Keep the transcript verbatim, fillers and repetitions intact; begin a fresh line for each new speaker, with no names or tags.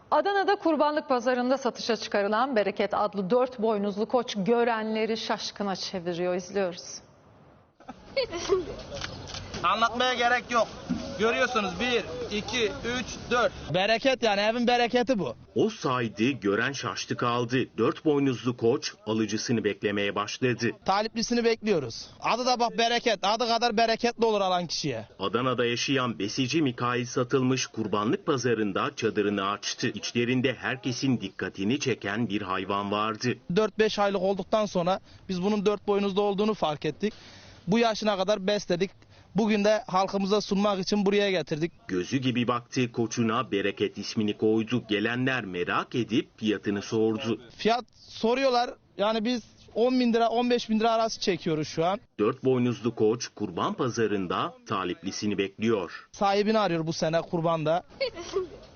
Adana'da kurbanlık pazarında satışa çıkarılan Bereket adlı dört boynuzlu koç görenleri şaşkına çeviriyor. İzliyoruz.
Anlatmaya gerek yok. Görüyorsunuz bir, iki, üç, dört. Bereket yani evin bereketi bu.
O saydı, gören şaştı kaldı. Dört boynuzlu koç alıcısını beklemeye başladı.
Taliplisini bekliyoruz. Adı da bak bereket. Adı kadar bereketli olur alan kişiye.
Adana'da yaşayan besici Mikail satılmış kurbanlık pazarında çadırını açtı. İçlerinde herkesin dikkatini çeken bir hayvan vardı.
dört beş aylık olduktan sonra biz bunun dört boynuzlu olduğunu fark ettik. Bu yaşına kadar besledik. Bugün de halkımıza sunmak için buraya getirdik.
Gözü gibi baktığı koçuna Bereket ismini koydu. Gelenler merak edip fiyatını sordu.
Fiyat soruyorlar. Yani biz on bin lira on beş bin lira arası çekiyoruz şu an.
Dört boynuzlu koç kurban pazarında taliplisini bekliyor.
Sahibini arıyor bu sene kurbanda.